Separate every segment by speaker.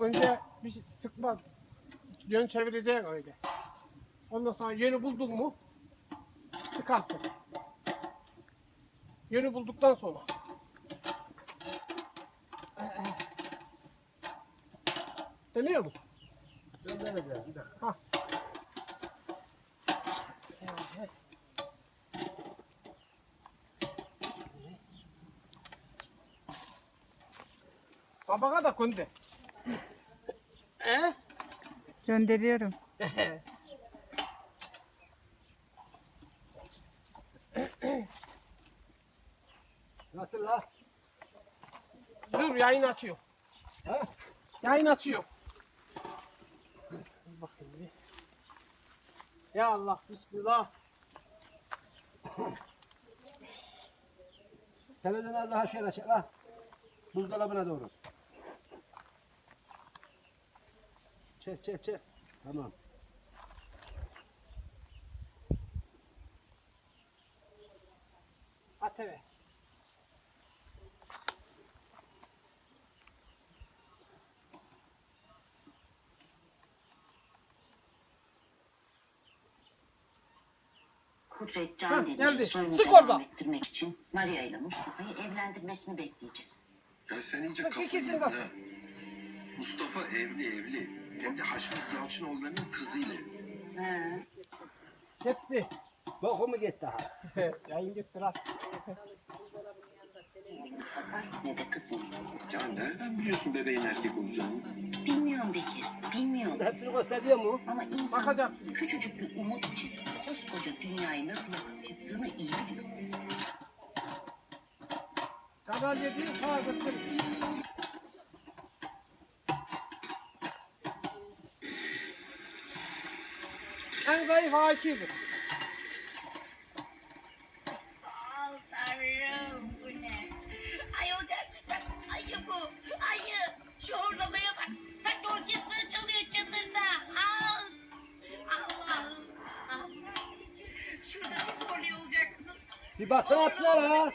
Speaker 1: Önce bir şey sıkma. Yön çevireceksin öyle. Ondan sonra yönü buldun mu sıkarsın. Yönü bulduktan sonra. Dönüyor mu?
Speaker 2: Döneceğiz bir dakika.
Speaker 1: Ha. Babana da kunde.
Speaker 3: Gönderiyorum.
Speaker 2: Nasıl la?
Speaker 1: Dur yayın açıyor.
Speaker 2: Ha?
Speaker 1: Yayın açıyor. Dur bakayım bir. Ya Allah bismillah.
Speaker 2: Televizyona daha şöyle çek la. Buzdolabına doğru. Çek çek çek. Tamam.
Speaker 1: ATV.
Speaker 4: Kudret
Speaker 1: Heh,
Speaker 4: Can
Speaker 1: geldi.
Speaker 4: Demir'in soyunu
Speaker 1: Sık
Speaker 4: devam
Speaker 1: orada.
Speaker 4: ettirmek için Maria ile Mustafa'yı evlendirmesini bekleyeceğiz.
Speaker 5: Ya sen iyice
Speaker 1: Bak,
Speaker 5: kafayı
Speaker 1: ikisini
Speaker 5: yedin
Speaker 1: bak.
Speaker 5: ha. Mustafa evli. Hem de Haşmet Yalçınoğulları'nın kızıyla.
Speaker 4: He.
Speaker 1: Gitti.
Speaker 2: Boku mu gitti ha?
Speaker 1: Yayın gitti lan.
Speaker 4: Bakar ne de kızım.
Speaker 5: Ya nereden biliyorsun bebeğin erkek olacağını?
Speaker 4: Bilmiyorum Bekir, bilmiyorum.
Speaker 2: Hepsini gösteriyor mu?
Speaker 4: Ama insan
Speaker 1: Bakacağım.
Speaker 4: küçücük bir umut için koskoca dünyayı nasıl yakıp yıktığını iyi biliyor.
Speaker 1: Kanal 7'yi sağa götür. En zayıf A2'dir.
Speaker 6: Tanrım bu ne? Ayol gerçekten ayı bu. Ayı. Şu horlamaya bak. Sanki orkestra çalıyor çadırda. Allah'ım. Allah'ım. Şurada siz horluyor olacaktınız.
Speaker 2: Bir baksana atsana la.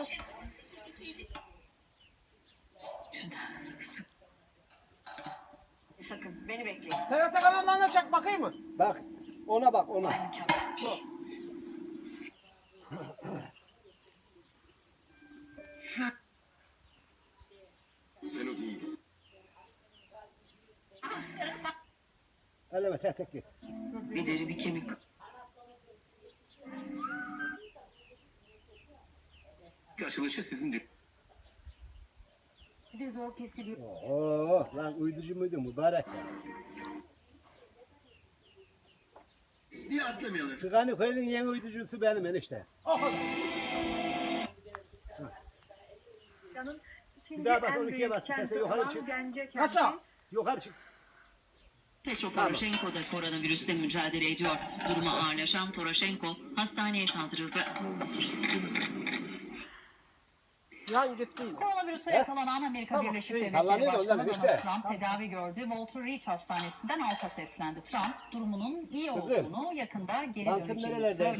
Speaker 4: Sakın beni bekleyin.
Speaker 1: TRT kanallarına çak bakayım mı?
Speaker 2: Bak. Ona bak ona.
Speaker 4: Mükemmelmiş.
Speaker 5: Sen o değilsin.
Speaker 2: Eleme tek tek git.
Speaker 4: Bir deri bir kemik.
Speaker 5: Açılışı sizin
Speaker 4: Bir de zor kesiliyor.
Speaker 2: Oo lan uyducu muydu mübarek ya.
Speaker 5: Niye atlamayalım?
Speaker 2: Çıkanı koyunun yeni uyducusu benim enişte.
Speaker 3: Canım
Speaker 2: Bir daha bak 12'ye bas. Sese yukarı çık.
Speaker 1: Kaça?
Speaker 2: Yukarı çık.
Speaker 7: Petro Poroshenko da koronavirüsle mücadele ediyor. Durumu ağırlaşan Poroshenko hastaneye kaldırıldı.
Speaker 1: Yan gitti.
Speaker 8: Koronavirüse yakalanan Amerika
Speaker 1: Tamam,
Speaker 8: Birleşik
Speaker 1: şey,
Speaker 8: Devletleri
Speaker 2: sallanıyor da
Speaker 8: Başkanı
Speaker 2: ondan
Speaker 8: Donald
Speaker 2: işte.
Speaker 8: Trump tedavi gördüğü Walter Reed Hastanesi'nden halka seslendi. Trump durumunun iyi
Speaker 2: Kızım,
Speaker 8: olduğunu yakında geri
Speaker 2: mantın
Speaker 8: döneceğini
Speaker 2: nerelerde?
Speaker 8: söyledi.